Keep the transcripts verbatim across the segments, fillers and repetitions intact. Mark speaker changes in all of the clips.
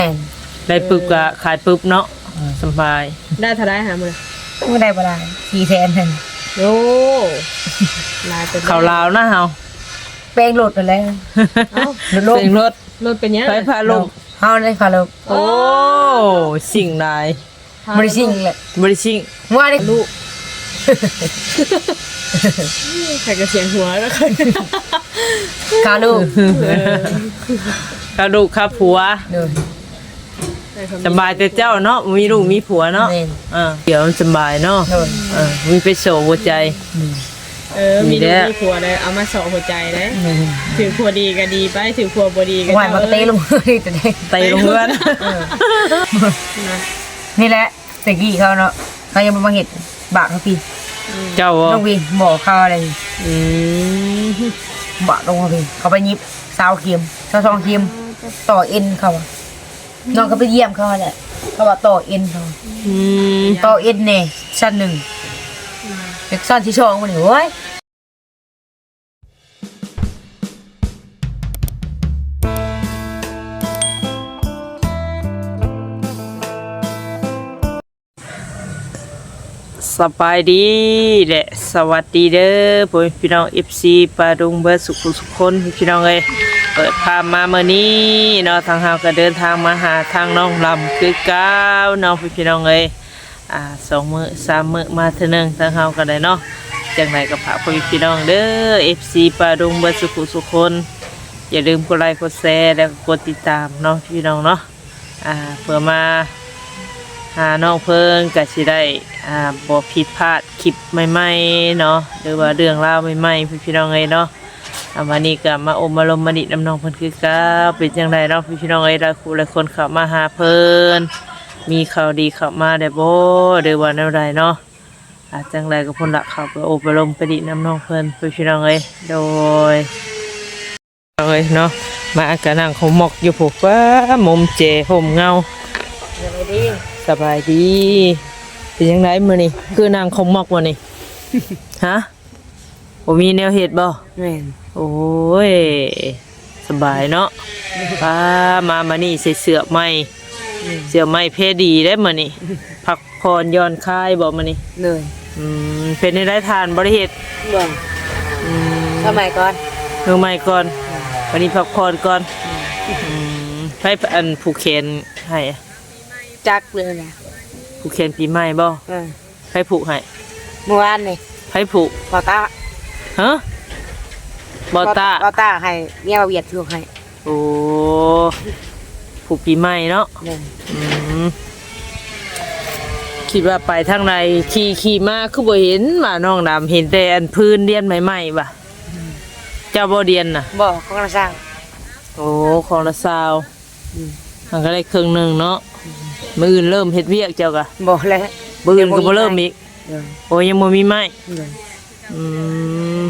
Speaker 1: ได้ปึ๊บก็ขายปึ๊บเนาะสบาย
Speaker 2: ได้เท่าไรหามื้อ
Speaker 3: ไม่ได้บ่ได้สี่แสนนึง
Speaker 2: โอ้ลายเป็น
Speaker 1: ข้าวลาวนะเฮา
Speaker 3: แป้งรถนั่นแหละ
Speaker 2: เอ้า
Speaker 1: เพลงรถ
Speaker 2: รถเป็นยัง
Speaker 1: ไฟพาลม
Speaker 3: เฮาได้พาลม
Speaker 1: โอ้สิ่งใด
Speaker 3: บ่ได้สิ่งแหละ
Speaker 1: บ่ได้สิ่ง
Speaker 3: ว่าได้ลูก
Speaker 2: ใครก็เสียงหัวแล้วค่อย
Speaker 3: กาลูก
Speaker 1: กาลูกครับผัวสบายแต่เจ้าเนาะมีลูกมีผัวเนาะเออเดี๋ยวสบายเนาะเออมีไปโสหัวใจ
Speaker 2: เออมีลูกมีผัวเลยเอามาโสหัวใจเลยถือผัวดีก็ดีไปถือผัวบ่ดีก็
Speaker 3: ไหวมาเตะลงเลยแต่ได้
Speaker 1: เตะลงเพื่อน
Speaker 3: นี่แหละตะกี้เขาเนาะเขายังมาเห็ดบากเขาพี่
Speaker 1: เจ้า
Speaker 3: น้องวีหมอเขาอะไร
Speaker 1: อืม
Speaker 3: บากลงเขาพี่เขาไปยิบสาวเข็มสาวทองเข็มต่อเอ็นเขาน้องก็ไปเยี่ยมเขาแหละเขาบอกต่อเอ็นเขาต่อเอ็นเนี่ยชั้นหนึ่งเด็กชั้นที่สองมันเฮ้ย
Speaker 1: สบายดีและสวัสดีเด้อพี่น้อง เอฟ ซี ปาดุงเบิร์สุขุสุขคนพี่น้องเอ้ยเปิดภาพมาเมื่อนี้เนาะทางเฮาก็เดินทางมาหาทางน้องลำคือเก้าเนาะพี่น้องเอ้ยอ่าสองมื้อสามมื้อมาเท่านึงทางเฮาก็ได้เนาะจังไดก็ฝากพี่น้องเด้อ เอฟ ซี ปาดุงเบิร์สุขุสุขคนอย่าลืมกดไลค์กดแชร์แล้วก็กดติดตามเนาะพี่น้องเนาะอ่าเพื่อมาหาน้องเพิ่งก็สิได้อ่าบ่ผิดพลาดคลิปใหม่ๆเนาะหรือว่าเรื่องราวใหม่ๆพี่น้องเอ้ยเนาะวันนี้ก็มาอมมาลมมาดิน้ำน้องเพิ่นคือก้าเป็นจังไดเนาะพี่น้องเอ้ยหลายคู่หลายคนเข้ามาหาเพิ่นมีข่าวดีเข้ามาได้บ่หรือว่าแนวใดเนาะอาจังไดก็พุ่นละเข้าไปอมมาลมไปดิน้ำน้องเพิ่นพี่น้องเอ้ยโดยเอ้ยเนาะมาก็นั่งเขาหมอกอยู่พวกว่ามุมเจห่มเงาสบายดีเป็นยังไงมื้อนี้คือนางคงมอกมื้อนี้ฮะบ่มีแนวเฮ็ดบ่แม่นโอ้ยสบายเนาะป้ามามานี่ใส่เสื้อใหม่เสื้อใหม่เพดีได้มื้อนี้พักผ่อนหย่อนคลายบ่มื้อนี้เลยอืมเป็นได้ทานบ่ได้เฮ็ดบ่อืม
Speaker 3: สมัยก่อน
Speaker 1: เมื่อใหม่ก่อนวันนี้พักผ่อนก่อนอืมให้อันผูกแขนให้
Speaker 3: จักเลยนะ
Speaker 1: ผูกแขนปีใหม่บ่ให้ผูกให้
Speaker 3: เมื่อวานนี่
Speaker 1: ให้ผูก
Speaker 3: บอต้า
Speaker 1: ฮะบอต้า
Speaker 3: บอต้าให้เมียมาเวียดผูกให้
Speaker 1: โอ้ผูกปีใหม่เนาะอืมคิดว่าไปทางไหนขี่ขี่มาคือบ่เห็นว่าน้องดำเห็นแต่อันพื้นเดียนใหม่ๆว่ะเจ้าบ่เดียนน่ะ
Speaker 3: บ่ของละสร้าง
Speaker 1: โอ้ของละซาวมันก็ได้ครึ่งนึงเนาะมื้ออื่นเริ่มเฮ็ดเวียกเจ้ากะ
Speaker 3: บ่แล้ว
Speaker 1: มื้ออื่นก็บ่เริ่มอีกโอ้ยังบ่มีไม้อืม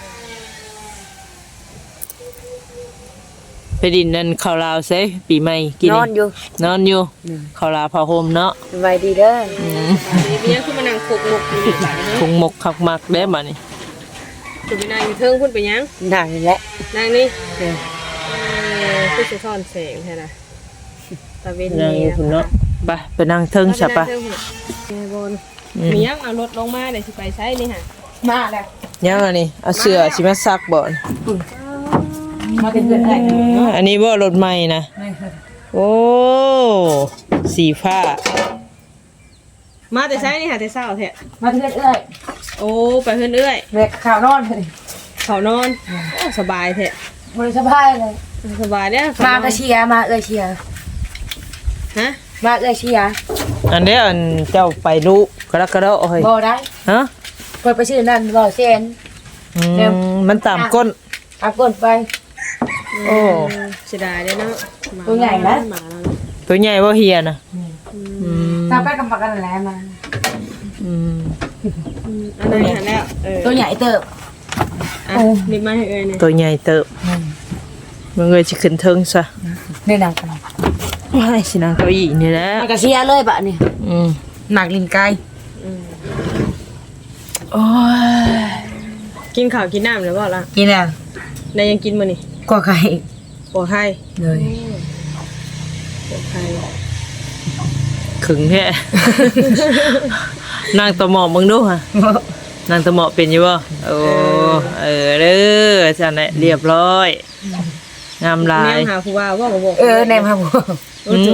Speaker 1: ไปดินนั่นข้าวลาวเซ่ปีใหม่กิน
Speaker 3: นอนอยู่
Speaker 1: นอนอยู่ข้าวลาวผ้าห่มเนาะ
Speaker 3: สบายดีเด้อ
Speaker 2: อืมมีคือมานั่งคุกหมกอยู่บัดนี้
Speaker 1: คุกหมกคักมักเด้บัดนี้
Speaker 2: คุณไปนั่งอยู่เทิงพุ่นไปยัง
Speaker 3: นั่งนี่แหละ
Speaker 2: นั่งนี่เออคือสิซ่อนแสงแท้น่ะตะเวนนี่
Speaker 1: พุ่นเนาะไปไปนั่งเทิงซะปะ
Speaker 2: มียังเอารถลงมาเดี๋ยวสิไปใช้นี่ฮะ
Speaker 3: มาแล้ว
Speaker 1: ยังอันนี้เอาเสื้อสิมาซักบ่
Speaker 3: มาเป็นเพื่อนได้
Speaker 1: อันนี้บ่รถใหม่นะโอ้สีฟ้า
Speaker 2: มาแต่ใช้นี่ค่ะแต่เช้าแท้
Speaker 3: มาเพื่อนเอ้ย
Speaker 2: โอ้ไปเพื่อนเอ้ย
Speaker 3: เด็กข่าวนอนเลย
Speaker 2: ข่าวนอนสบายแท้
Speaker 3: บริสบายเลย
Speaker 2: สบายเนี่ย
Speaker 3: มาก็เชียร์มาเอ้ยเชียร์
Speaker 2: ฮะ
Speaker 3: มาเอ้ยเชียร์
Speaker 1: อันนี้อันเจ้าไปรู้กระกระโดดเฮ้ย
Speaker 3: บ่ได้
Speaker 1: ฮะ
Speaker 3: เปิดไปชื่อนั่นบ่เซน
Speaker 1: มันตามก้น
Speaker 3: ตามก้นไป
Speaker 1: โอ้
Speaker 2: เสียดายเลยเนาะ
Speaker 3: ตัวใหญ่นะ
Speaker 1: ตัวใหญ่ว่าเฮียนะ
Speaker 3: ตามไปกำปักกันแล้วมา
Speaker 2: อันนี้แล้ว
Speaker 3: ตัวใหญ่เติบ
Speaker 2: โอ้ดีมากเลยเนี่ย
Speaker 1: ตัวใหญ่เติบมึงเลยจะขึ้นเทิงซะ
Speaker 3: นี่นางกัน
Speaker 1: ว้ายสินางเก้าอี้นี่แหละ
Speaker 3: กระเชียเลยบะนี่หนักลิ้นไก่
Speaker 1: โอ้ย
Speaker 2: กินข้าวกินน้ำหรือเปล่าล่ะ
Speaker 3: กินแล้ว
Speaker 2: นายยังกินมั้ยนี่
Speaker 3: กว่าไข่
Speaker 2: กว่าไข่
Speaker 3: เลย
Speaker 2: ผัวใคร
Speaker 1: ขึงแท้ นางตะหมอกมึงดูฮะนางตะหมอกเป็นอยู่บ่โอ้เออเด้อจังได๋เรียบร้อยงามหลา
Speaker 2: แน
Speaker 1: ยว
Speaker 2: หาผู้ว่าว่าบ่บอก
Speaker 3: เออในมาบ่
Speaker 2: โอ้โห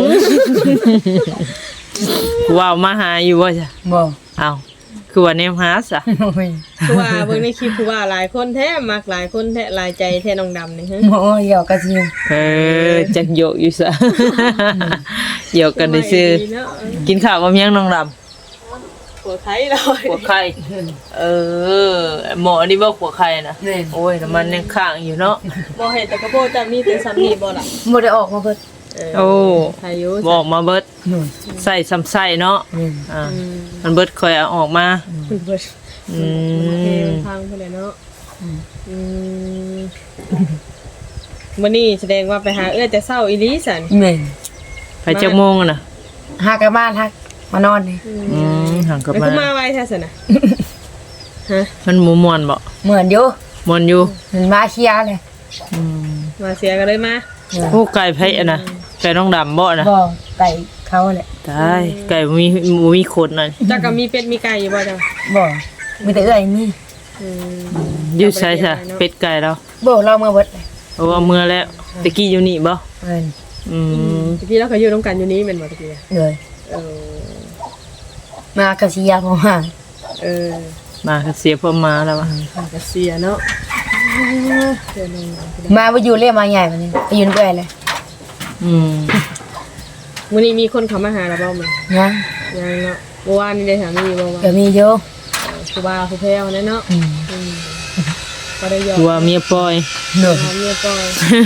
Speaker 1: กูว่ามาหาอยู่บ่จ้ะ
Speaker 3: บ่
Speaker 1: เอ้าคือว่าแนมหาซะ
Speaker 3: โอ้ย
Speaker 2: ผู้ว่าเบิ่งในคลิปผู้ว่าหลายคนแท้มักหลายคนแท้หลายใจแท้น้องดำนี่ฮะ
Speaker 3: บ่เหี่ยวกะสิ
Speaker 1: เออจักโยกอยู่ซะ โยกกันได้ซื่อ
Speaker 2: ดีเนาะ
Speaker 1: กินข้าวกับยังน้องดำ
Speaker 2: ผัวใครเลย
Speaker 1: หัวไข่เออหมอนี่บ่หัวไข่น่ะ
Speaker 3: นี่
Speaker 1: โอ้ยน้ำมันยังค้างอยู่เนาะ
Speaker 2: บ่เห็นแต่กระโปรงจะมีเป็นซัมนี่บ่ล่ะ
Speaker 3: บ่ได้ออกมาเบิด
Speaker 1: โอ้
Speaker 2: พายุ
Speaker 1: บอกมาเบิด
Speaker 3: นู่น
Speaker 1: ใส่ซ้ำใส่เนาะ
Speaker 3: นี่
Speaker 1: อ่ามันเบิดค่อยเอาออกมา
Speaker 2: คุณเบิด
Speaker 1: อื
Speaker 2: โอเค
Speaker 1: ม
Speaker 2: มันพังไปเลยเนาะอืมวันนี้แสดงว่าไปหาเอื้อแต่เศร้าอีหลีสัน
Speaker 3: แม่น
Speaker 1: ไปจักโมงอะน่ะ
Speaker 3: หากลับบ้านฮักมานอนนี่
Speaker 1: อืมห่างกลับ
Speaker 2: แล้ว
Speaker 1: มา
Speaker 2: คือมาไว้แท้สินะฮะ
Speaker 1: มันหมูมวนบ่
Speaker 3: เหมือนอยู่
Speaker 1: มวนอยู่
Speaker 3: มันมาเคลียร์เลย
Speaker 1: อืม
Speaker 2: มาเสียกันเลยมา
Speaker 1: โอ้ไก่ไผอะน่ะไก่น้องดำบ่น่ะ
Speaker 3: บ่ไก่เขาแหละ
Speaker 1: ตายไก่บ่มีบ่มีขนน่ะ
Speaker 2: จักก็มีเป็ดมีไก่อยู่บ่จัง
Speaker 3: บ่มีแต่เอื้อยมี
Speaker 2: อืม
Speaker 1: อยู่ใช่ซะเป็ดไก่แล้ว
Speaker 3: บ่เรามาเบิดเลย
Speaker 1: โอ้เอามือแล้วตะกี้อยู่นี่บ่
Speaker 3: เอิ้น
Speaker 1: อืม
Speaker 2: ตะกี้เราก็อยู่ร่วมกันอยู่นี้แม่นบ่ตะกี้
Speaker 3: เลย
Speaker 2: เออ
Speaker 3: มากะสิยาบ่มา
Speaker 2: เออ
Speaker 1: มาก็เสียเพิ่มมาแล้ววะ
Speaker 2: ก็เสียเนาะเดี๋ยวนึง
Speaker 3: มาบ่อยู่เรียกมาใหญ่บัดนี้ไปอยู่นำเอื้อยเลย
Speaker 1: อืม
Speaker 2: มื้อนี้มีคนเข้ามาหาเราบ่มั้ย
Speaker 3: ยัง
Speaker 2: ยังเนาะเมื่อวานนี่ได้ถามมีบ่ว่า
Speaker 3: ก็มีอยู่
Speaker 2: ผู้บ่าวผู้แพ้วนั่นเนาะ
Speaker 3: อืม
Speaker 2: อืมก็ได้ยอม
Speaker 1: ตัวเมียปล่อย
Speaker 3: เนาะ
Speaker 2: หอมเมียก่อน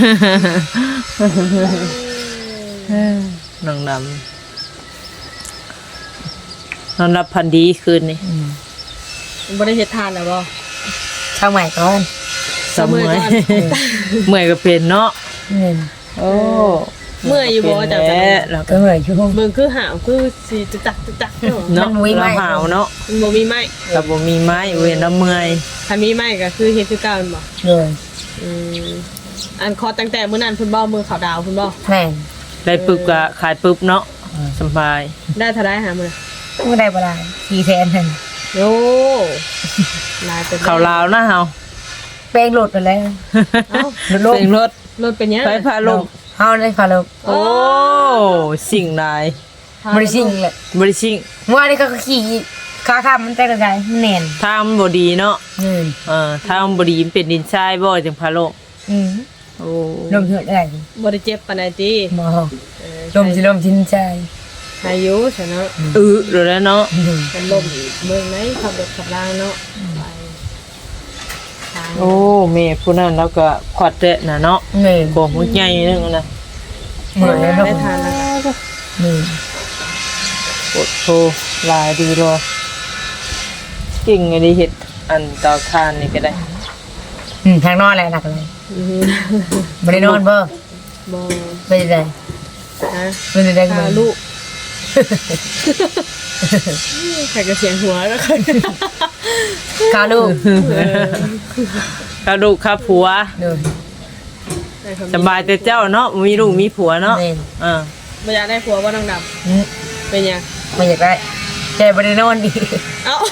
Speaker 1: น้องดำนอนรับพันดีคืนนี้
Speaker 3: อืม
Speaker 2: บ่ได้เฮ็ดทานแล้วบ่
Speaker 3: ทางใหม่ก่อน
Speaker 1: สมอยเมื่อยก็เป็นเนาะ
Speaker 3: นี่
Speaker 1: โอ้
Speaker 2: เมื่อยอยู่บ่จัง
Speaker 1: แล้
Speaker 2: จัง
Speaker 1: วแล้ว
Speaker 3: ก็เหนื่อยอยู่
Speaker 2: เบิ่งคือหาวคือสิจะจักจะจักเนาะ
Speaker 1: เนาะ
Speaker 3: มันมีไหม
Speaker 1: เราหาวเนาะ
Speaker 2: มันบ่มีไม้
Speaker 1: เราบ่มีไม้เว้นแล้วเมื่อย
Speaker 2: ถ้ามีไม้ก็คือเฮ็ดคือเก่าแม่นบ่
Speaker 3: เลย
Speaker 2: อืมอันคอตั้งแต่มื้อนั้นเพิ่นบ่มือขาวดาวเพิ่นบ่
Speaker 3: แม่น
Speaker 1: ได้ปึ๊บก็ขายปึ๊บเนาะสบาย
Speaker 2: ได้เท่าใดหามื้อ
Speaker 3: บ่ได้บ่ได้สี่แสนนั่น
Speaker 2: โอ้ลายเป็น
Speaker 1: ข้าวลาวนะเฮา
Speaker 3: แป้งโหลดไปแล้ว
Speaker 2: เอ้า
Speaker 3: โหลดลง
Speaker 1: เสียงรถ
Speaker 2: รถเป็นยัง
Speaker 1: ไฟพาลง
Speaker 3: เฮาได้พาลง
Speaker 1: โอ้สิ่งใด
Speaker 3: บ่ได้สิ่งเลย
Speaker 1: บ่ได้สิ่ง
Speaker 3: เมื่อวานนี้ก็ขี่ขาข้ามมันแตกกันมันแน่น
Speaker 1: ถ้ามันบ่ดีเนาะ
Speaker 3: นี่
Speaker 1: เออถ้ามันบ่ดีมันเป็นดินทรายบ่จังพาลง
Speaker 3: อืม
Speaker 1: โอ้
Speaker 3: ลมเหือดได้
Speaker 2: บ่ได้เจ็บปานใดติ
Speaker 3: บ่
Speaker 2: เออ
Speaker 3: ลมสิลมทินใจ
Speaker 2: อายุซะเนาะ
Speaker 1: อือแล้วเนาะ
Speaker 3: อืม
Speaker 2: มันลมอีกเมืองไหนขับรถขับรางเนาะไปทาง
Speaker 1: โอ้แม่ผู้นั้นแล้วก็ขวัดเดะน่ะเนาะ
Speaker 3: นี่
Speaker 1: โกหัวใหญ่นึงน่ะ
Speaker 3: เหมือนแล้ว
Speaker 2: ได้ทานแล้วก็
Speaker 3: นี่
Speaker 1: ปวดโทหลายดีรอเก่งไงดิเฮ็ดอันเตาทานนี่ก็ได้
Speaker 3: อืมทางนอนอะไรหนักเลย
Speaker 2: อือฮึ
Speaker 3: บ่ได้นอนบ่
Speaker 2: บ่
Speaker 3: ไปได้
Speaker 2: ฮะ
Speaker 3: ไปได้
Speaker 2: พาลูกใครก็เสียงหัวแล้วกัน
Speaker 3: คาลูก
Speaker 1: กระดูกครับผัว
Speaker 3: ดู
Speaker 1: สบายแต่เจ้าเนาะมีลูกมีผัวเนาะ
Speaker 3: นี่
Speaker 1: อ่า
Speaker 2: บ่อยากได้ผัวว่าน้องด
Speaker 3: อืม
Speaker 2: ำเป็นยัง
Speaker 3: ไม่อยากได้ใจบ่ได้นอนดี
Speaker 2: เอ้า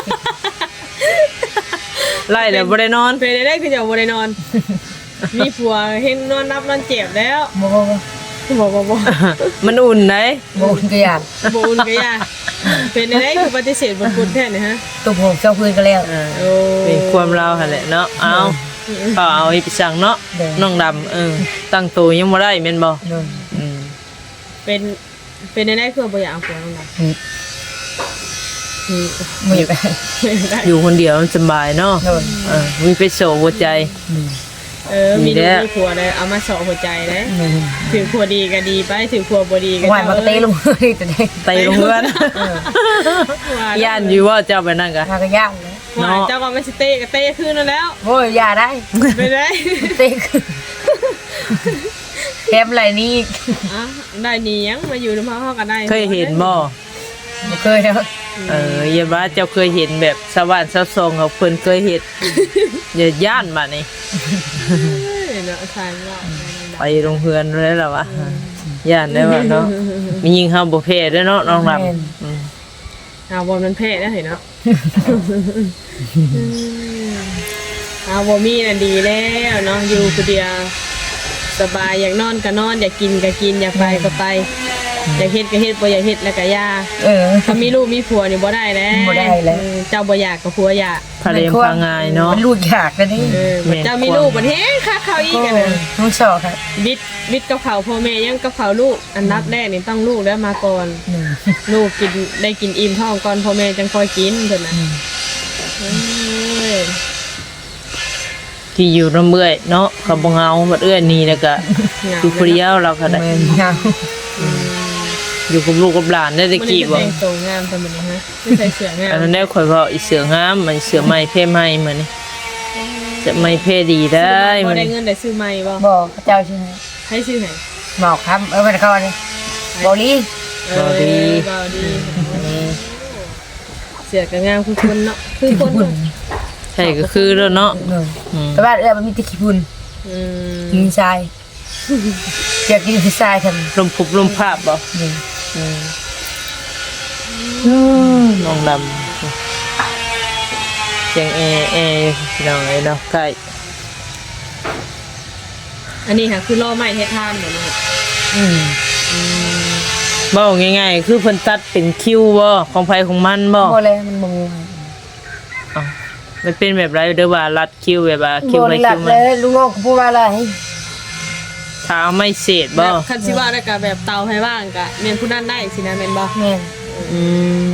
Speaker 1: ไล่แล้วบ่ได้นอน
Speaker 2: เป็นได้คือจะบ่ได้นอน มีผัวเห็นนอนนับนอนเจ็บแล้ว
Speaker 3: บ่บ่บ่
Speaker 2: บ่บ่บ่
Speaker 1: มันอุ่นไหน
Speaker 3: บ่อุ่นก็อยาก
Speaker 2: บ่อุ่นก็ย่าเป็นได้คือปฏิเสธบ่พูดแท้นี่ฮะ
Speaker 3: ตุกผมเจ้าพื้นก็แล้ว
Speaker 1: อ่า
Speaker 2: โอ้
Speaker 1: เป็นความเราหั่นแหละเนาะเอาก็เอาอีกสั่งเนาะ
Speaker 3: เด้อ
Speaker 1: น้องดำเออตั้งตัวยังบ่ได้แม่นบ่
Speaker 3: นู่น
Speaker 1: อืม
Speaker 2: เป็นเป็นได้คือบ่อยากเอาผัวน้องดำ
Speaker 3: อืม
Speaker 2: อืม
Speaker 3: ไม่อยากได้
Speaker 2: ได้
Speaker 1: อยู่คนเดียวมันสบายเนาะ
Speaker 3: นู่น
Speaker 1: เออมีไปโสหัวใจ
Speaker 3: อืม
Speaker 2: เออ มี
Speaker 1: มีแล้
Speaker 2: ลูก
Speaker 1: ว
Speaker 2: มีผัวเลยเอามาสอหัวใจเลย
Speaker 3: นี่
Speaker 2: ถือผัวดีก็ดีไปถือผัวบ่ดีก็
Speaker 3: หวานมันก็เตะลงเลยแต่ได้
Speaker 1: เตะลงเพื่อนย่านอยู่ว่าเจ้าไปนั่นกะ
Speaker 3: มาก็ยากเลย
Speaker 2: หวานเจ้าก็ไม่สิเตะก็เตะคืนนั่นแล้ว
Speaker 3: โอ้ยอย่าได้
Speaker 2: ไปได้
Speaker 3: เตะขึ้นแคมอะไรนี่อีก
Speaker 2: อ่ะได้หนียังมาอยู่ในพ่อเขาก็ได้
Speaker 1: เคยเห็นบ่
Speaker 3: บ่เคยแล้ว
Speaker 1: เอออย่าว่าเจ้าเคยเห็นแบบสวรรค์สวทรงเขาเพิ่นเคยเห็นอย่าย่านมานี่
Speaker 2: เออเนาะใช่ว่า
Speaker 1: ไปโรงเรียนแล้วล่ะวะย่านได้ว่าเนาะมียิงเฮาบ่แพ้เด้อเนาะน้องลำ
Speaker 3: แม่น
Speaker 1: อืม
Speaker 2: เอาบอลมันเพ่ได้เห็นเนาะเอาบอมีน่ะดีแล้วเนาะอยู่คนเดียวสบายอยากนอนก็นอนอยากกินก็กินอยากไปก็ไปอยากเฮ็ดก็เฮ็ดบ่อยากเฮ็ดแล้วก็ย่า
Speaker 3: เออ
Speaker 2: ถ้ามีลูกมีผัวนี่บ่ได้แล้ว
Speaker 3: บ่ได้แล้ว
Speaker 2: เออเจ้าบ่อยากกับผัวอยาก
Speaker 1: พาเลมพางายเนาะ
Speaker 3: มันลูกอยากกันนี่
Speaker 2: เออ
Speaker 1: แม่น
Speaker 2: เจ้ามีลูกบัดเฮ็ดค่าข้าวอีก
Speaker 3: ก็
Speaker 2: อะนะ
Speaker 3: น้องชอบครับ
Speaker 2: บิดบิดกับเขาวพ่อแม่ยังกับเขาวลูกอันดับแรกนี่ต้องลูกแล้วมาก่อน
Speaker 3: หนึ่ง
Speaker 2: ลูกกินได้กินอิ่มท้องก่อนพ่อแม่จังค่อยกินเพิ่นน่ะเอ้ย
Speaker 1: ที่อยู่น้ำเมื่อยเนาะก็บ่เหงาบัดเอื้อนี่แล้วก็อยู่ผู้เดียวเราก็ได้
Speaker 3: แม่นยาว
Speaker 1: อยู่กับลูกกับหลานได้ตะกี้บ่
Speaker 2: มันแต่งตัวงามแต่มันนี่ฮะไม่ใส่เสื้องาม
Speaker 1: อันนั้นได้ข่อยว่าอีเสืองามมันเสือไม้เพ่ไม้เหมือนนี่จะไม้เพ่ดีได้
Speaker 2: บ่
Speaker 1: มัน
Speaker 2: ได้เงินได้ซื้อใหม่บ่
Speaker 3: บอกพระเจ้าใช่ไหม
Speaker 2: ให้ซื้อไหน
Speaker 3: หมอกครับเออเป็นเขาเนี่ยบอลี่
Speaker 2: เออบ่ดีเสื้อก็งามคือคนเนาะคือ
Speaker 3: ขี้
Speaker 2: คน
Speaker 3: พุ่น
Speaker 2: เนาะ
Speaker 1: ใช่ก็คือแล้วเนาะ
Speaker 3: เออ
Speaker 1: อืม
Speaker 3: แต่ว่าเออมันมีแตะขี้พุ่น
Speaker 2: อืม
Speaker 3: กินทรายเจ็บกินทรายทัน
Speaker 1: ลมพุบลมภาพบ่
Speaker 3: นี่
Speaker 1: อืมน้องดำเสียงแอแอพี่น้องไอ้เนาะใกล้
Speaker 2: อันนี้ค่ะคือล่อไม้เฮ็ดทานเหมือนเนาะ
Speaker 3: อืม
Speaker 1: เบ้าง่ายๆคือเพิ่นตัดเป็นคิวบ่ของไผของมันบ่
Speaker 3: บอเลยมันมง
Speaker 1: อ้าวมันเป็นแบบไรเด้อว่ารัดคิวแบบว่าคิ
Speaker 3: บ
Speaker 1: ว
Speaker 3: อ
Speaker 1: ไป
Speaker 3: หลั
Speaker 1: คิ
Speaker 3: บ
Speaker 1: ว
Speaker 3: เล
Speaker 1: มาย
Speaker 3: ลุงงอกพูดว่าอะไร
Speaker 1: ถ้าเอาไม่เศษ
Speaker 2: แบ
Speaker 1: บ่
Speaker 2: บคันสิว่าได้ก็แบบเตาให้ว่างก็แม่นผู้นั้นได้สินะแม่นบ่
Speaker 3: แม่น
Speaker 1: อืม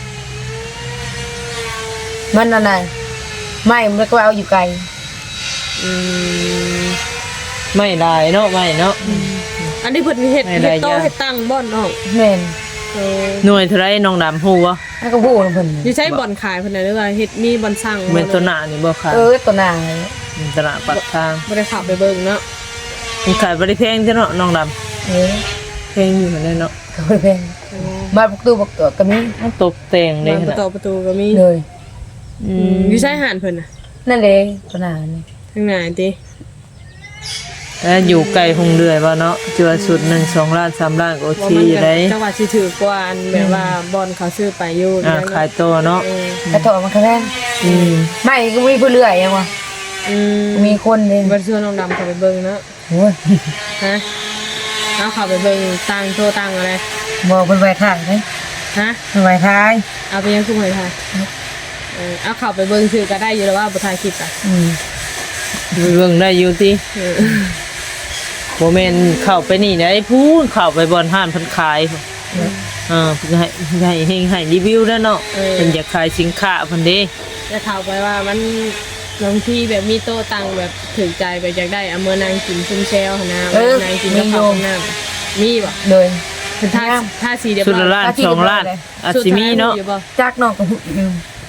Speaker 3: มันอะไรไม่มันก็เอาอยู่ไกล
Speaker 2: อืม
Speaker 1: ไม่ได้เนาะไม่เนาะ
Speaker 2: อันนี้เพิ่นเฮ็ด
Speaker 1: ไม่ได้
Speaker 2: เฮ็ดโต๊ะ
Speaker 1: ยาก
Speaker 2: เฮ็ดตั้งบ่เนาะ
Speaker 3: แม่น
Speaker 2: เออ
Speaker 1: หน่วยเท่าไรน้องดำฮู้บ่
Speaker 3: ให้ก็พูดนะเพิ่น
Speaker 2: อยู่ใช้บ่อนขายเพิ่นน่ะหรือว่าเฮ็ดมีบ่อนสั่งบ่
Speaker 1: เป็นตัวหน้านี่บ่ค่ะ
Speaker 3: เออตัวหนา
Speaker 1: ตลาดปากทาง
Speaker 2: บ่ได้เขับไปเบิ่งเนาะ
Speaker 1: มันขายบ่ได้แพงเด้อเนาะน้องดำ
Speaker 3: เออ
Speaker 1: แพงอยู่หั่นแหละเนาะ
Speaker 3: เขาไปเป็นมาประตูประตูก็มี
Speaker 1: มันตกแต่งได้
Speaker 2: บาน
Speaker 1: ข
Speaker 2: ประ
Speaker 1: นาด
Speaker 2: ตูประตูก็มี
Speaker 3: เลย
Speaker 1: อื
Speaker 2: อื
Speaker 1: ม
Speaker 2: มอยู่ใช้หานเพิ่นน่ะ
Speaker 3: นั่นเลยตัวหนานี่
Speaker 2: ทางไหนติ
Speaker 1: แล้วอยู่ไกลคงเรื่อยบ่เนาะสิว่าสุดหนึ่ง สองล้านสามล้านก็โอ
Speaker 2: ว่า
Speaker 1: เค
Speaker 2: มัน
Speaker 1: อยู่
Speaker 2: ก็
Speaker 1: ได้
Speaker 2: จังหวัดสิถือกว่าอันแบบว่าบ่อนเขาซื้อไปอยู่
Speaker 1: อ่าขายตัวเนาะ
Speaker 2: เออก
Speaker 3: ระโถมันก็แพง
Speaker 1: อืม
Speaker 3: ไม่ก็มีผู้เลื่อยยังวะ
Speaker 2: อืม
Speaker 3: มีคนเลย
Speaker 2: บ่ซื้อน้องดำเข้าไปเบิ่งเนาะ
Speaker 3: โอ้ย
Speaker 2: ฮะเอาเข้าไปเบิ่งตังโตตังอะไร
Speaker 3: บอกเป็นไวถ่ายไหม
Speaker 2: ฮะ
Speaker 3: เป็นไวถ่าย
Speaker 2: เอาไปยังคือหอยทายเออเอาเข้าไปเบิ่งซื้อก็ได้อยู่แล้วว่าบ่ถ่ายคลิปอ่ะ
Speaker 3: อืม
Speaker 1: ไปเบิ่งได้อยู่ติ
Speaker 2: เออ
Speaker 1: บ่แม่นเข้าไปนี่ได้พูนเข้าไปบ่อนห้านเพิ่นขายพุ่นเออเพิ่นให้ให้ให้ให้รีวิวแล้วเนาะเพิ่นอยากขายสินค้าเพิ่นเด้
Speaker 2: จะเข้าไปว่ามันบางทีแบบมีโต๊ะตังแบบถึงใจแบบอยากได้เอามือนางกินซุ่มแซวหั่นนะนางกินกับข้าวกับน้ำมีบ่
Speaker 3: เลย
Speaker 2: เป็นท่าท่าสีเดียว
Speaker 1: สุดละล้านสองล้านอาจสิมีเนาะ
Speaker 3: จักนอกกับหุ่น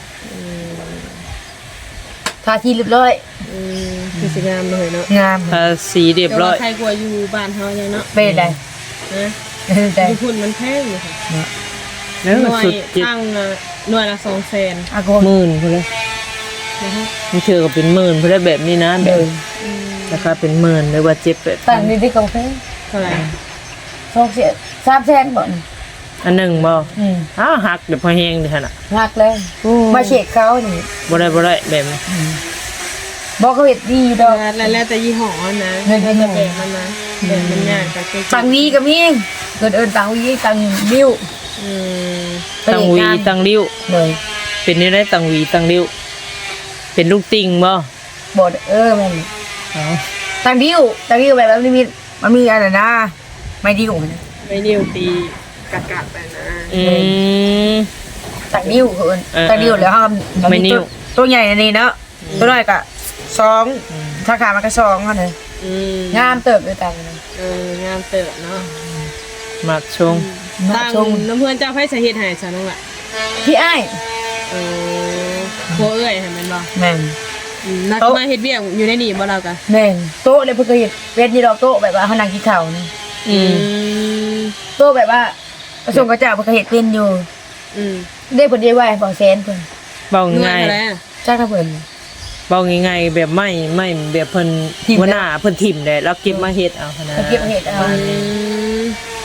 Speaker 3: ทาที่เรียบร้อย
Speaker 2: อืมคือสิงามเลยเนาะ
Speaker 3: งาม
Speaker 1: ภาษีเรียบร้อย
Speaker 2: ใครกลัวอยู่บ้านเฮายังเนาะ
Speaker 3: เป็นไร
Speaker 2: นะ
Speaker 3: เป็นไร
Speaker 2: อยู่พุ่นมันแพงอยู่ค่ะ
Speaker 1: เนื้อ
Speaker 2: หน่วย
Speaker 1: สุดเจ็ด
Speaker 2: ตั้งน่ะหน่วยละสองแสน
Speaker 3: อากง
Speaker 1: หมื่นพุ่นเลย
Speaker 2: นะคะ
Speaker 1: มันเชื่อก็เป็นหมื่นพุ่นได้แบบนี้นะแบ
Speaker 3: เดิ
Speaker 1: บ
Speaker 3: น
Speaker 1: ราคาเป็นหมื่นหรือว่าเจ็ดแปดพั
Speaker 3: ตั้
Speaker 1: น
Speaker 3: งนี่ที่กาแฟ
Speaker 2: เท่าไหร่
Speaker 3: สองเสียสามแสนบ่น
Speaker 1: อันหนึ่งบ่
Speaker 3: อืม
Speaker 1: อ้าวหักเดี๋ยวพอแห้งเดี๋ยวน่ะ
Speaker 3: หักเลยมาเช็คเขานี่
Speaker 1: บ่ได้บ่ได้แบบนี้
Speaker 3: บอกเขาเห็ดดีดอก
Speaker 2: แล้วแล้วแต่ยี่ห้อนะ
Speaker 3: แล้วแต่
Speaker 2: แล้ว
Speaker 3: ยี่
Speaker 2: แต่
Speaker 3: ห้อ
Speaker 2: แบบมันนะแบบมันยากกับเจ๊
Speaker 3: ตังวีก็มีเกิดเอินตังวีตังบิ้ว
Speaker 2: อืม
Speaker 1: ตังหวีตังริ้ว
Speaker 3: เลย
Speaker 1: เป็นนี่ได้ตังหวีตังริ้วเป็นลูกติ่งบ่
Speaker 3: บดเออแม่น
Speaker 1: อ๋อ
Speaker 3: ตังบิ้วตังบิ้วแบบมันมีมันมีอะไรนะไม่ดิ้วนะ
Speaker 2: ไม่เดียวตีกะกะไปนะ
Speaker 1: อืม
Speaker 3: ตังบิ้วเอิน
Speaker 1: เออ
Speaker 3: ตังบิ้วแล้วห้าม
Speaker 1: ไม่นิ้ว
Speaker 3: ตัวใหญ่อันนี้เนาะตัวน้อยก็สองถ้าขามันก็สองเท่านั้น
Speaker 2: อืม
Speaker 3: งามเติบด้วยกัน
Speaker 2: เอองามเติบเนาะ
Speaker 1: มักชง
Speaker 3: มา
Speaker 2: ตั้ง
Speaker 3: ชม
Speaker 2: น้ำเพื่อนเจ้าไพ่สาเหตุหายซะน้องละ
Speaker 3: พี่อ้าย
Speaker 2: เออโคเอ้ยเห็นมันบ่
Speaker 3: แม่น
Speaker 2: อืมนัก
Speaker 3: โต๊ะ
Speaker 2: มาเฮ็ดเบี้ยงอยู่ในนี่บ่เรากะ
Speaker 3: แม่นโต๊ะเลยเพิ่นเคยเห็นเป็นยี่ดอกโต๊ะแบบว่าเขานั่งกินข้าวนี่
Speaker 1: อืม
Speaker 2: ม
Speaker 3: โต๊ะแบบว่าประสงค์กระเจ้าเพิ่นเคยเห็นเป็นอยู่
Speaker 2: อืม
Speaker 3: ได้เพิ่นได้ไหวบ่แสนเพิ่น
Speaker 1: เบา
Speaker 2: หน่วย
Speaker 1: ง่าย
Speaker 2: เท่าไหร่อะ
Speaker 3: จักถ้าเพิ่น
Speaker 1: เบาง่ายๆแบบไม่ไม่แบบเพิ่น
Speaker 3: ทิ่ม
Speaker 1: หัวหน้าเพิ่นทิ่มได้แล้วเก็บมาเฮ็ดเอาขนาด
Speaker 3: เพิ่นเก็บเห็ดเอา
Speaker 2: อืม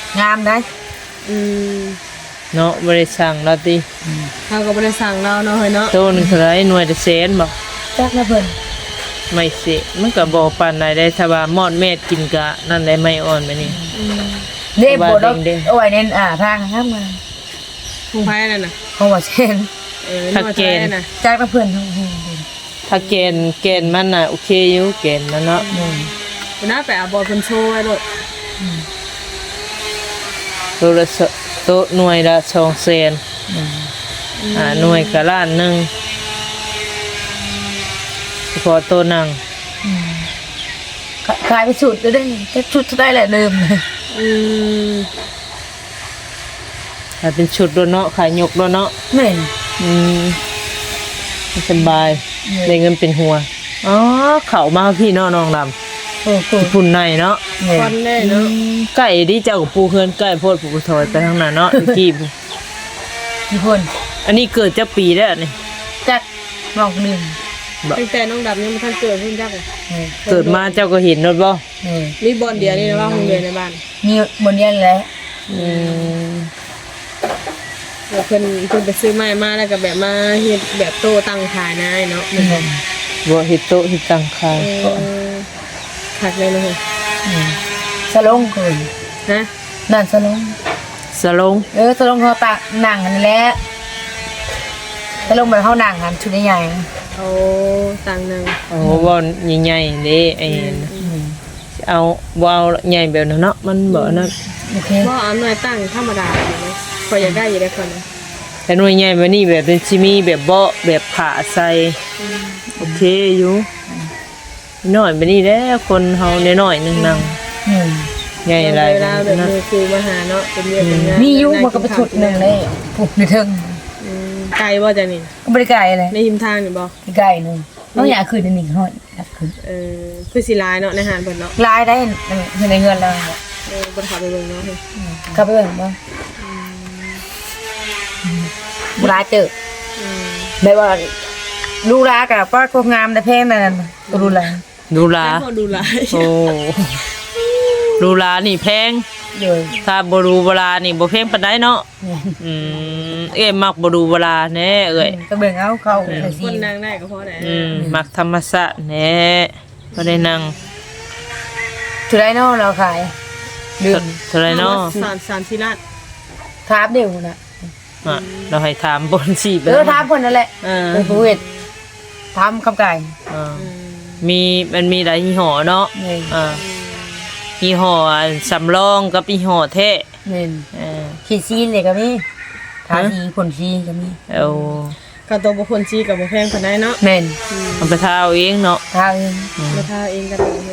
Speaker 3: งามได้
Speaker 2: อืม
Speaker 1: เนาะบ่ได้สั่งเราติ
Speaker 2: เขาก็บ่ได้สั่งเราเนาะเฮ้ยเนาะ
Speaker 1: โตหนึงเท่าไหร่หน่วยละแสนบ่
Speaker 3: จักนะเพิ่น
Speaker 1: ไม่สิมันก็บ่ปานใดได้ถ้าว่ามอดเม็ดกินกะนั่นได้ไม่อ่อนไปนี่
Speaker 3: เด้บ่ดอก
Speaker 1: เด้งๆ
Speaker 3: เอาไว้ในอ่าทางครับมา
Speaker 2: ของไผนั่นน่ะ
Speaker 3: เพราะว่าเช่น
Speaker 2: เออนี่ว่าจะได้น่ะ
Speaker 3: จักนะเพิ่นทั้งหู
Speaker 1: ถ้าเกณฑ์เกณฑ์มันน่ะโอเคอยู่เกณฑ์มันเนาะ
Speaker 3: อืม
Speaker 2: คุณน้าไปเอาบอลเพิ่นโชว์ไว้โลด
Speaker 1: ตัวละสตัวหน่วยละสองแสน
Speaker 3: อืม
Speaker 1: อ่าหน่วยก็ล้านหนึงเฉพาะตัวหนัง
Speaker 3: ขายไปสุดแล้วได้แค่ชุดเท่าได้แหละเดิม
Speaker 2: อืม
Speaker 1: ถ้าเป็นชุดโดนเนาะขายยกโดนเนาะ
Speaker 3: แม่น
Speaker 1: อืมสบาย
Speaker 3: อืม
Speaker 1: ได้เงินเป็นหัวอ๋อเข้ามาพี่เนาะน้องดำ
Speaker 3: โอ้โห
Speaker 1: พุ่นในเนาะ
Speaker 3: แม่
Speaker 2: คอนได้เนาะ
Speaker 1: ไก่ที่เจ้ากับปูเพื่อนไก่โพดปูถอยไปทางนั้นเนาะ ตะกี้พู้
Speaker 3: กี่คน
Speaker 1: อันนี้เกิดจะปีแล้วนี่
Speaker 3: จักน้องหนึ่ง
Speaker 2: ตั้งแต่น้องดำยังบ่ทันเกิดเพิ่นจักเลย
Speaker 3: แม่
Speaker 1: เกิดมาเจ้าก็เห็นรถบ่
Speaker 3: แม่
Speaker 2: มีบอลเดียวนี่นะว่าโรงเรียนในบ้าน
Speaker 3: มีบนเรียนแล้ว
Speaker 1: อืม
Speaker 2: เดี๋ยวเพิ่นเพิ่นไปซื้อไม้มาแล้วก็แบบมาเฮ็ดแบบโตตั้งขายนายเนาะมัน
Speaker 3: แม่
Speaker 1: บ่เฮ็ดโต๊ะเฮ็ดตังคาย
Speaker 2: เออคักเลยเนาะเฮ้ย
Speaker 3: อืมสลงคน
Speaker 2: ฮะ
Speaker 3: นั่นสลง
Speaker 1: สลง
Speaker 3: เออสลงเขาตากหนังอันนี้แหละสลงแบบเขาหนังอันชุดใหญ่ๆนะ
Speaker 2: เอาตังค์นึง
Speaker 1: โอ้บ่ใหญ่ๆเด้ไอ้นั่น
Speaker 3: อืม
Speaker 1: เอาบ่เอาใหญ่แบบนั้นเนาะมันบ่นั่น
Speaker 3: โอเค
Speaker 2: บ่เอาหน่วยตั้งธรรมดาอยู่เนาะพออยากได้อยู่ได้คนนะ
Speaker 1: แต่หน่วยใหญ่แบบนี้แบบเป็นซิมีแบบเบาะแบบผ้าใส่โอเคอยู่น้อยแบบนี้แหละคนเฮาน้อยๆนึงนั่ง
Speaker 3: อืม
Speaker 1: ใหญ่หลาย
Speaker 2: เวลาแบบ
Speaker 1: นะ
Speaker 2: มือครูมาหาเนาะเป็นเรื่องเป็นงาน
Speaker 3: มีอยุมันก็ไปชุดหนึ่งเลยผูกในเทิง
Speaker 2: อืมไกลบ่จ้ะนี่
Speaker 3: ก็บริไก่อะไร
Speaker 2: ในหิมทางนี่บ่
Speaker 3: ไก่หนึ่งน้องอยากคืนในหนึ่งห้อยอยากคืน
Speaker 2: เออคือสิหลายเนาะในหารเพิ่นเนาะ
Speaker 3: ลายได้ในในเงินเรา
Speaker 2: เออบ่ได้เข้าไปเบิ่งเนาะเฮ้ย
Speaker 3: เข้าไปเบิ่งบ้างบุราเจอ
Speaker 2: อืม
Speaker 3: แบบว่าลูกร้ากับป้าโคงามแต่แพงนั่นก็รู้แล้ว
Speaker 1: ดูลา
Speaker 2: แล้วพอดูหลาย
Speaker 1: โอ้ดูลานี่แพง
Speaker 3: เดี๋ยว
Speaker 1: ถ้าบ่ดูเวลานี่บ่แพงปานใดเนาะอืมเอ้ยมักบ่ดูเวลาแน่เอ้ย
Speaker 3: ก็เบิ่งเอาเข้าไป
Speaker 2: ค
Speaker 3: สิ
Speaker 2: นนั่งได้ก็พอได้
Speaker 1: อืมมักธรรมชาติแน่บ่ได้นั่ง
Speaker 3: ถือได้นอเราขายเดือน
Speaker 1: เท่าไหร่เนาะ
Speaker 2: สามสามสี่ล้าน
Speaker 3: ทาบเดียวนะ
Speaker 1: อ่ะเราให้ถามบนสิ
Speaker 3: เออทาบคนนั่นแหละ
Speaker 1: เออ
Speaker 3: เป็นผู้เวททำคำไก่
Speaker 1: อ่ามีมันมีหลายยี่ห้อเนาะ
Speaker 3: นี่
Speaker 1: อ่ายี่ห้อสำรองกับยี่ห้อแท้
Speaker 3: นี่
Speaker 1: เออ
Speaker 3: ขีดซีนเลยก็มีทาสีผลซีก็มี
Speaker 1: เอา
Speaker 2: ก็ตัวบุคคลชี้กับบุแพงคนได้เนาะ
Speaker 3: แม่น
Speaker 1: เอาไปทาเอาเองเนาะ
Speaker 3: ทาเอง
Speaker 2: มาท่าเองก็ได้เลย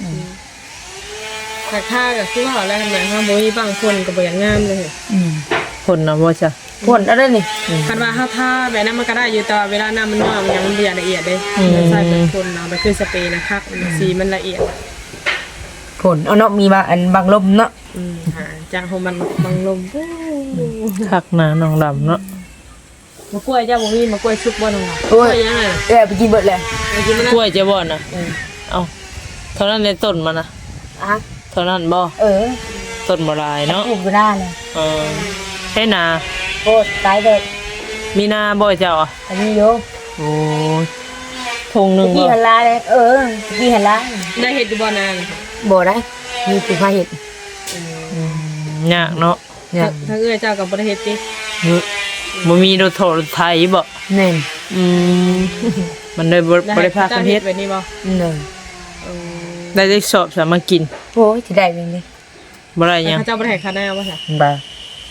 Speaker 2: แต่ท่ากับคือว่าอะไรทำไมฮะบุยบางคนก็บ่อย่างงามเลย
Speaker 3: อืม
Speaker 1: คนน่ะบ่จ้ะ
Speaker 3: ผลอะไรนี่
Speaker 2: คันว่าถ้าท่าแบบนั้นมันก็ได้อยู่แต่ว่าเวลาน้ำมันน้อยมันยังมันเบียดละเอียดเลยใส่เป็นคนเนาะมันคือสเปรย์นะครับสีมันละเอียด
Speaker 3: ผลเอาเนาะมีบางอันบางลมเนาะ
Speaker 2: อืมหาจากของมันบางลม
Speaker 1: คักหน้าน้องดำเนาะ
Speaker 2: มะกล้วยเจ้าบุมีมะกล้วยชุบบ่น้องก
Speaker 3: โอ้
Speaker 2: ล้วย ยยังไง
Speaker 3: เออไปกินเบิดเลย
Speaker 2: ไปกินมัน
Speaker 1: กล้วยจะบ่น่ะเอาเท่านั้นในต้นมันน่ะ
Speaker 3: อ่ะ
Speaker 1: เท่านั้นบ่
Speaker 3: เออ
Speaker 1: ต้นบ่หลายเนาะ
Speaker 3: ปลูกอยู่หน้าเลย
Speaker 1: เออให้นา
Speaker 3: โคตรตายเด็ด
Speaker 1: มีนาบ่เจ้าอ่ะ
Speaker 3: อันนี้โย
Speaker 1: โอ้ยทงหนึง
Speaker 3: กี่
Speaker 1: บ่
Speaker 3: หันลาเลยเออกี่หันลา
Speaker 2: ได้เห็ดอยู่บ่นาน
Speaker 3: บ่ได้มีปูพาเห็ด
Speaker 1: ยากเนาะ
Speaker 3: เนี่ย
Speaker 2: ถ้าเอื้อเจ้ากับบ่ได้เฮ็ดติ
Speaker 1: เฮ้ยบ่มีรถโทรถไถบ่
Speaker 3: เน่น
Speaker 1: อืมมันได้บ่บ่ได้พากันเฮ็ด
Speaker 2: แบบนี้บ่
Speaker 3: เน่น
Speaker 2: เออ
Speaker 1: ได้ได้สอบสามากิน
Speaker 3: โอ้ยจะได้เป็นไง
Speaker 1: บ่ได้หยัง
Speaker 2: เขาเจ้าบ่ได้ให้ค่าแนวบ่ค่ะ
Speaker 3: บ้า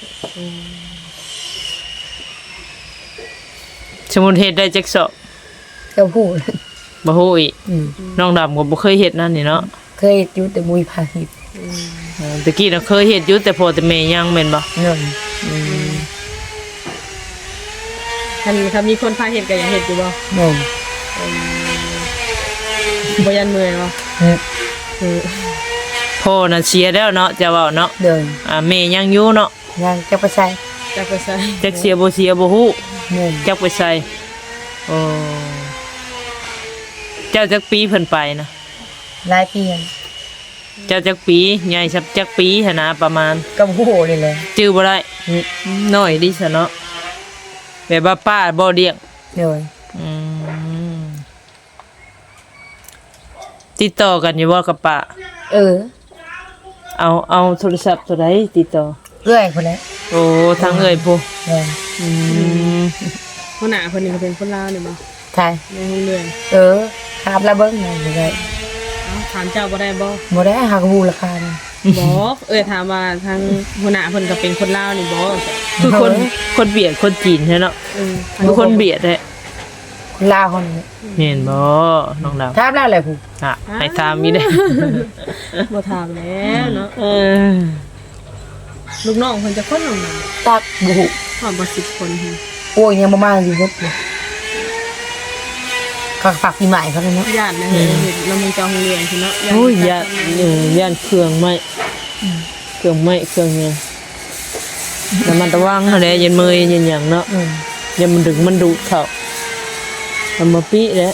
Speaker 1: สมมุติเฮ็ดได้จักสอบ
Speaker 3: เจ้าพูด
Speaker 1: บ่ฮู้อีก
Speaker 3: อืม
Speaker 1: น้องดำก็บ่เคยเฮ็ดนั่นนี่เนาะ
Speaker 3: เคยอยู่แต่มุยพาเห็ด
Speaker 1: เออตะกี้น่ะเคยเฮ็ดอยู่แต่พ่อแต่แม่ยังแม่นบ่
Speaker 3: เน่น
Speaker 2: คันถ้ามีคนพาเฮ็ดก็อยากเฮ็ดอยู่บ่
Speaker 3: เน่น
Speaker 2: บ่ยันเมื่อยบ่
Speaker 3: เนี่ย
Speaker 2: เออ
Speaker 1: พ่อน่ะเสียแล้วเนาะจะเว้าเนาะ
Speaker 3: เดิน
Speaker 1: อ่าแม่ยังอยู่เนาะ
Speaker 3: ยังจะไปใส่
Speaker 2: จักไปใส่
Speaker 1: จักเสียบ่เสียบ่ฮู้
Speaker 3: เน่น
Speaker 1: จักไปใส่โอ้เจ้าจักปีเพิ่นไปนะ
Speaker 3: หลายปีแล้ว
Speaker 2: อ
Speaker 1: เจ้าจักปีใหญ่สักจักปีหั่นนะประมาณ
Speaker 3: กับโหเลยเลย
Speaker 1: จื้อบ่ได้น้อยดิซะเนาะแบบว่าป้าบ่เลี้ยง
Speaker 3: เดี๋ยว
Speaker 1: อืมติดต่อกันอยู่บ่กับป้า
Speaker 3: เออ
Speaker 1: เอาเอาโทรศัพท์ตัวใดติดต่อ
Speaker 3: เอื้อยคนละ
Speaker 1: โอ้ทางเอ่ยผู้
Speaker 3: เดี๋ยว
Speaker 1: อืม
Speaker 2: คนหน้าคนนี้ก็เป็นคนลาวนี่บ่
Speaker 3: ใช่
Speaker 2: ในห้องเรียน
Speaker 3: เออถามละเบิ้งหน่อยเลย
Speaker 2: เอ้าถามเจ้าบ่ได้บ่
Speaker 3: บ่ได้หากบูราคานะ
Speaker 2: บ่เอ้ยถามว่าทางหัวหน้าเพิ่นก็เป็นคนลาวนี่บ่
Speaker 1: คือคนคนเบียดคนจีนใช่เนาะ
Speaker 2: เออ
Speaker 1: คือคนเบียดแหละ
Speaker 3: คนลาวคนนี้
Speaker 1: เห็นบ่น้องดาว
Speaker 3: ถามแล้วอะไรผู้
Speaker 1: อ่ะให้ถามมีได้
Speaker 2: บ่ถามแล้วเนาะ
Speaker 1: เออ
Speaker 2: ลูกน้องเพิ่นจะคนลงมา
Speaker 3: ตักบุหุ
Speaker 2: พร้อมบ่สิบคนหั่น
Speaker 3: โอ้ยยังประมาณสิครับเขาฝากปีใหม่เขาเลยเนาะ
Speaker 2: ญาตินะเห็นเห็นเรามีเจ้าห้องเรียนพุ่นเนาะ
Speaker 1: โอ้ยย่านเออย่านเครื่องไม้เครื่องไม้เครื่องเนี้ยแต่มันระวังอะไรยันมือยันหยังเนาะ
Speaker 3: อืม
Speaker 1: ยันมันดึงมันดูดเข้าทำมาปีแล้ว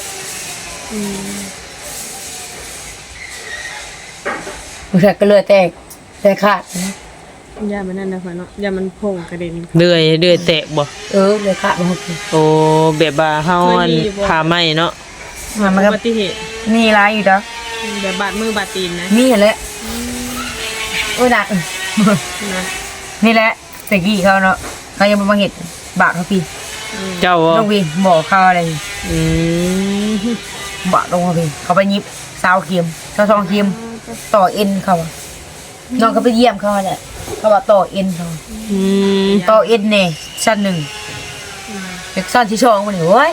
Speaker 3: ผู้ชายก็เลยแตกแตกขาดนะ
Speaker 2: ญาติมันนั่นนะเพิ่นเนาะญาติมันโผงกระเด็น
Speaker 1: เดือยเดือยแตกบ่
Speaker 3: เออเลยขาดมาหกที
Speaker 1: โอ้แบบว่าเฮาอันผ่าไหม้เนาะ
Speaker 3: มันมัน
Speaker 2: อุ
Speaker 3: ก็
Speaker 2: บัติเหตุ
Speaker 3: มีร้ายอยู่แล้ว
Speaker 2: แบบบาดมือบาดตีนนะ
Speaker 3: มีแหละโอ้ยหนัก
Speaker 2: นะ
Speaker 3: นี่แหละเสกกี้เขาเนาะเขายังมาเห็ดบาทเขาพี่
Speaker 1: เจ้าบ่
Speaker 3: ลงพี่บอกเขาอะไร
Speaker 1: อืม
Speaker 3: บาทลงเขาพี่เขาไปยิบซาวเคียมซาวซองเคียมต่อเอ็นเขาอะน้องก็ไปเยี่ยมเขาแหละเขาบอกต่อเอ็นเขา
Speaker 1: อืม
Speaker 3: ต่อเอ็นเนี่ยชั้นหนึ่งเด็กชั้นที่สองมันนี่โอ้ย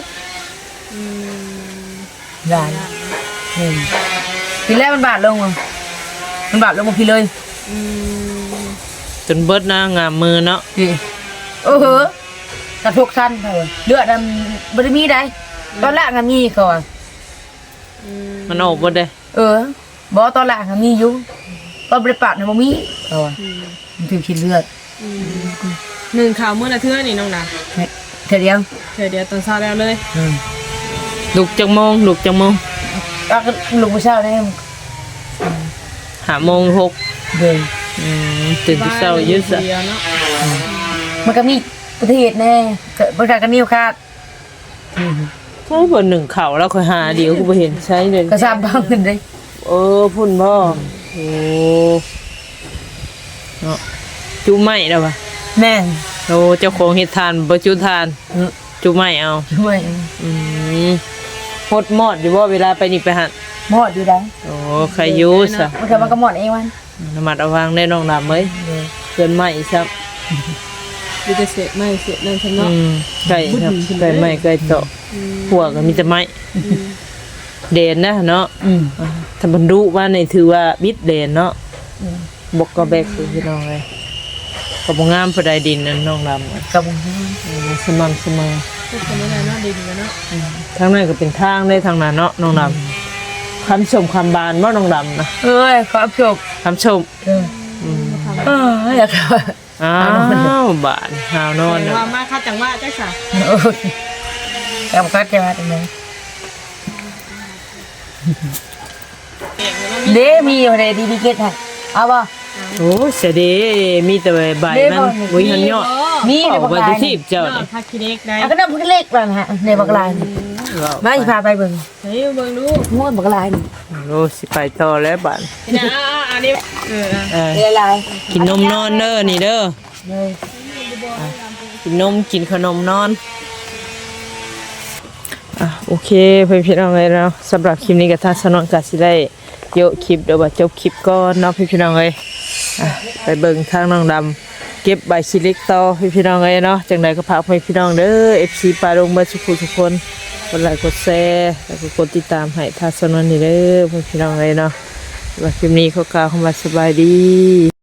Speaker 3: ได้หนึ่งทีแรกมันบาทลงมั้งมันบาทลงมาพี่เลย
Speaker 1: จนเบิดนะงามมือเนาะ
Speaker 3: ดิโอ้โหกระทกชั้นเขาอะเลือดมันบริมีได้ตอนแรกมันมีเขาอะ
Speaker 1: มันออกบ่ได้
Speaker 3: เออบอกตอนแรกมันมีอยู่ตอนบริปาดมันมีเขาอะมันถึงคิดเลือด
Speaker 2: หนึ่งข่าวมื้อละเทื่อนี่น้องดา
Speaker 3: เนี่ยเธอเดียว
Speaker 2: เดี๋ยวเดี๋ยวตอนเช้าแล้วเลย
Speaker 3: อืม
Speaker 1: ลุกจังโมงลุกจังโมง
Speaker 3: แล้วก็ลุงผู้เช่าเนี่ย
Speaker 1: หาโมงหก
Speaker 3: เดิน
Speaker 1: อืมตื่นแต่เช้ายืด
Speaker 2: บ้
Speaker 1: ซะ
Speaker 2: นเดียวเนาะ
Speaker 3: มันก็มีประเทศแน่เกิดประชากันนิ้วคาด
Speaker 1: ใช่บ่หนึ่งเข่าแล้วค่อยหาเดี๋ยวกูบ่เห็นใช้เลย
Speaker 3: กระซาบบ้างกันเลย
Speaker 1: เออพุ่นบ่โอ้เนาะจุไหม้แล้ววะ
Speaker 3: แม่น
Speaker 1: โอ้เจ้าของเฮ็ดทานบ่จุทาน
Speaker 3: เออ
Speaker 1: จุไหม้เอา
Speaker 3: ช่วย
Speaker 1: อืมหดหมอดอยู่บ่เวลาไปนี่ไปหัน
Speaker 3: หมอดอยู่ได้
Speaker 1: โอ้ใครอยู่ซะ
Speaker 3: มันก็มันก็หมอดเองวัน
Speaker 1: ระมัดระวังได้น้องดำเอ้ยเกินไหม้ซับ
Speaker 2: มีแต่เสร็จไม่เสร็จนั่นฉัน
Speaker 1: อื
Speaker 2: เนาะ
Speaker 1: มไก่ครับไก่ไหม้ไก่เจาะหัวก็มีแต่ไม้เด่นนะเนาะ
Speaker 3: อืม
Speaker 1: อ่าถ้ามันรู้ว่านี่ถือว่าบิดเด่นเนาะบกก็แบกคือพี่น้องเลยก็บ่งามปานใดดินนั่นน้องดำอะ
Speaker 3: กับผม
Speaker 1: อืมสม่ำเสมอ
Speaker 2: ก็ทำไม่ได้เนาะดีกันเนาะ
Speaker 1: ทางนั้นก็เป็นทางได้ทางนั้นเนาะน้องดำคำชมคำบานบ่น้องดำนะ
Speaker 3: เอ้ยขอจบ
Speaker 1: คำชม
Speaker 3: เออเอออยากเอา
Speaker 1: อ้าวบานหาวนอน
Speaker 2: แต่
Speaker 1: นะ
Speaker 2: ว่ามาคัดจังว่าจักษะ
Speaker 3: เออแต่มันก็จะมาตรงไหนเด้มีอยู่ในดีดีเกตฮะเอาป่ะ
Speaker 1: โอ้เสียเดีมีแต่ใบมันวุ้ยหันยอด
Speaker 3: มีใน
Speaker 1: เอา
Speaker 3: บัก
Speaker 1: ไว้
Speaker 3: ลา
Speaker 1: ที่
Speaker 3: ย
Speaker 1: ทีบเจ้า
Speaker 2: เนาะ
Speaker 1: นี่
Speaker 2: พักคิเล็กได้
Speaker 3: อ่ะก็น้ำพักเล็กแล้วนะฮะในบักลายนี่มาสิพาไปเบิ่ง
Speaker 2: เฮ้ยเบิ่งดู
Speaker 3: ม้วนบักลายนี่
Speaker 1: โอ้สิไปต่อแล้วบาน
Speaker 2: นี่นะอ่าอันนี้เออ
Speaker 1: เออ
Speaker 3: เรียลาย
Speaker 1: กินนมนอนเด้อนี่เด้อ
Speaker 3: เลย
Speaker 1: กินนมกินขนมนอนอ่ะโอเคเพื่อนพี่น้องเลยเนาะสำหรับคลิปนี้กับท่านสนองกาสิได้โยกคลิปเดี๋ยวว่าจบคลิปก่อนเนาะพี่พี่น้องเลยอ่ะไปเบิ่งทางน้องดำเก็บใบชิเล็กต่อพี่พี่น้องเลยเนาะจังใดก็พากให้พี่น้องเด้อ เอฟ ซี ปลาลงเบอร์ทุกคนทุกคนกดไลค์กดแชร์แล้วก็กดติดตามให้ท่านสนองนี่เด้อพี่พี่น้องเลยเนาะว่าคลิปนี้เขากล่าวคำว่าสบายดี